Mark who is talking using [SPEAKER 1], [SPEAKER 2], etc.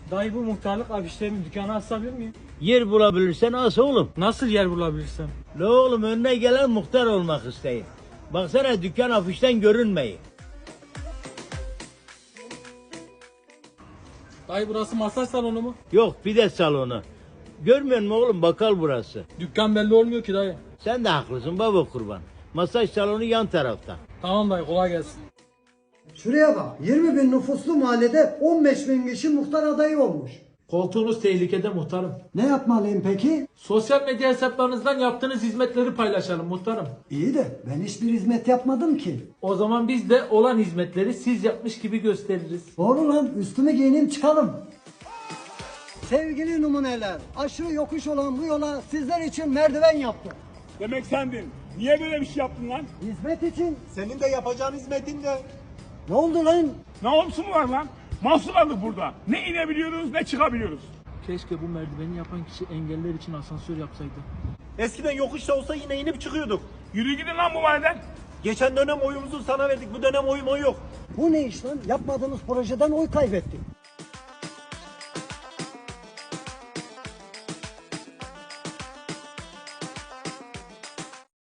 [SPEAKER 1] Dayı bu muhtarlık afişlerini dükkana asabilir miyim?
[SPEAKER 2] Yer bulabilirsen as oğlum.
[SPEAKER 1] Nasıl yer bulabilirsem?
[SPEAKER 2] La oğlum önüne gelen muhtar olmak isteyin. Baksana dükkan afişten görünmeyi.
[SPEAKER 1] Dayı burası masaj salonu mu?
[SPEAKER 2] Yok pide salonu. Görmüyor musun oğlum bakkal burası.
[SPEAKER 1] Dükkan belli olmuyor ki dayı.
[SPEAKER 2] Sen de haklısın baba kurban. Masaj salonu yan tarafta.
[SPEAKER 1] Tamam dayı kolay gelsin.
[SPEAKER 3] Şuraya bak, 20 bin nüfuslu mahallede 15 bin kişi muhtar adayı olmuş.
[SPEAKER 1] Koltuğunuz tehlikede muhtarım.
[SPEAKER 3] Ne yapmalıyım peki?
[SPEAKER 1] Sosyal medya hesaplarınızdan yaptığınız hizmetleri paylaşalım muhtarım.
[SPEAKER 3] İyi de ben hiçbir hizmet yapmadım ki.
[SPEAKER 1] O zaman biz de olan hizmetleri siz yapmış gibi gösteririz.
[SPEAKER 3] Doğru lan, üstümü giyineyim çıkalım. Sevgili numuneler, aşırı yokuş olan bu yola sizler için merdiven yaptım.
[SPEAKER 4] Demek sendin. Niye böyle bir şey yaptın lan?
[SPEAKER 3] Hizmet için.
[SPEAKER 4] Senin de yapacağın hizmetin de.
[SPEAKER 3] Ne oldu lan?
[SPEAKER 4] Ne olsun var lan? Mahsur aldık burada. Ne inebiliyoruz ne çıkabiliyoruz.
[SPEAKER 1] Keşke bu merdiveni yapan kişi engeller için asansör yapsaydı.
[SPEAKER 5] Eskiden yokuşta olsa yine inip çıkıyorduk.
[SPEAKER 4] Yürü gidin lan bu mahalleden.
[SPEAKER 5] Geçen dönem oyumuzu sana verdik. Bu dönem oyum oy yok.
[SPEAKER 3] Bu ne iş lan? Yapmadığımız projeden oy kaybettik.